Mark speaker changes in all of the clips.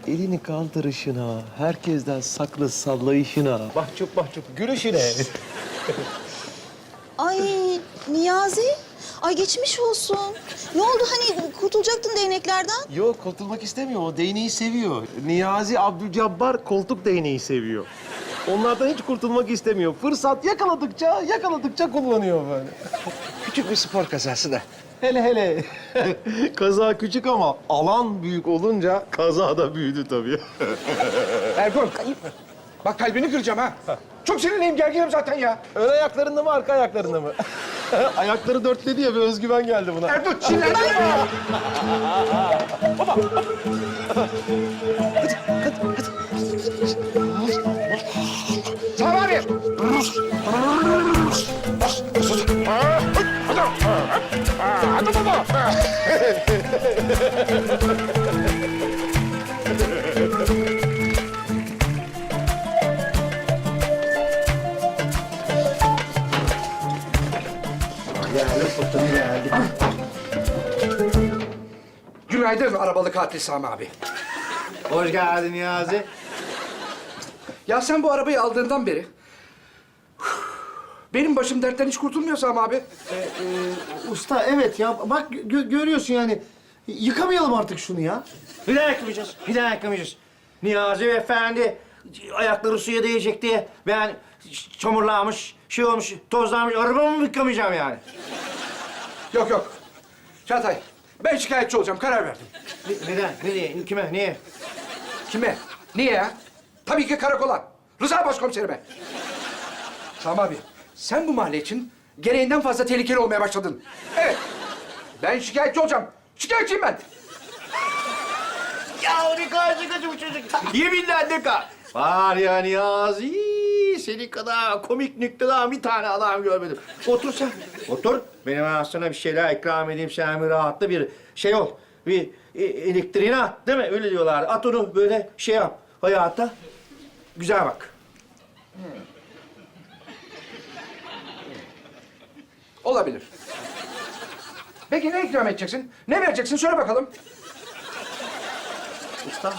Speaker 1: elini kaldırışına, herkesten saklı sallayışına, mahcup mahcup gülüşüne.
Speaker 2: Ay Niyazi. Ay geçmiş olsun. Ne oldu hani kurtulacaktın değneklerden?
Speaker 1: Yok, kurtulmak istemiyor. O değneği seviyor. Niyazi Abdülcabbar koltuk değneği seviyor. Onlardan hiç kurtulmak istemiyor. Fırsat yakaladıkça kullanıyor böyle.
Speaker 3: Küçük bir spor kazası da.
Speaker 1: Hele. Kaza küçük ama alan büyük olunca kaza da büyüdü tabii.
Speaker 3: Ergun, bak kalbini kıracağım ha. Çok sinirliyim, gerginim zaten ya.
Speaker 1: Ön ayaklarında mı, arka ayaklarında mı? Ayakları dörtledi ya, bir özgüven geldi buna.
Speaker 3: Ergun, sinirlenme. Sami abi. Hadi baba. Günaydın arabalı katil Sami abi.
Speaker 4: Hoş geldin Niyazi.
Speaker 3: Ya sen bu arabayı aldığından beri benim başım dertten hiç kurtulmuyor Sami abi.
Speaker 4: Usta evet ya bak görüyorsun yani. Yıkamayalım artık şunu ya. Bir daha yıkamayacağız. Bir daha yıkamayacağız. Niyazi Efendi ayakları suya değecek diye ben çamurlanmış, şey olmuş, tozlanmış arabamı yıkamayacağım yani.
Speaker 3: Yok. Çağatay, ben şikayetçi olacağım. Karar verdim.
Speaker 4: Neden? Nereye? Kime? Niye?
Speaker 3: Kime? Niye ya? Tabii ki karakola. Rıza başkomiserime. Sami abi, sen bu mahalle için gereğinden fazla tehlikeli olmaya başladın. Evet. Ben şikayetçi olacağım. Şikayetçiyim ben.
Speaker 4: Ya ne kadar şakacı bu çocuk. Yeminle ne kadar. Var ya Niyazi, senin kadar komik nükteden bir tane adam görmedim. Otur sen, otur. Benim ben sana bir şeyler ikram edeyim, sen bir rahatla bir şey ol. Bir elektriğini at, değil mi? Öyle diyorlar. At onu böyle şey yap, hayata. Güzel bak.
Speaker 3: Olabilir. Peki ne ikram edeceksin? Ne vereceksin? Söyle bakalım.
Speaker 4: Usta,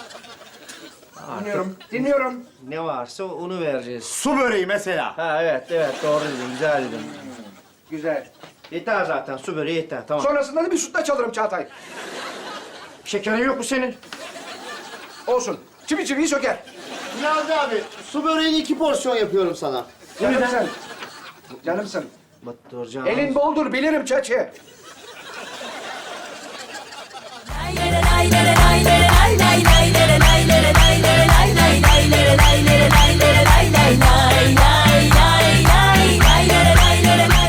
Speaker 3: Dinliyorum.
Speaker 4: ne varsa onu vereceğiz. Su böreği mesela. Ha evet, doğru dedin, güzel dedin.
Speaker 3: Güzel.
Speaker 4: Yeter zaten, su böreği yeter, tamam.
Speaker 3: Sonrasında da bir sütlaç alırım Çağatay.
Speaker 4: Şekerin yok mu senin?
Speaker 3: Olsun. Çiviyi söker.
Speaker 5: Niyazi abi, su böreğini 2 porsiyon yapıyorum sana.
Speaker 3: Canımsın. Canımsın.
Speaker 4: Batıracağım.
Speaker 3: Elin boldur bilirim çeçe.
Speaker 6: Lay lay lay lay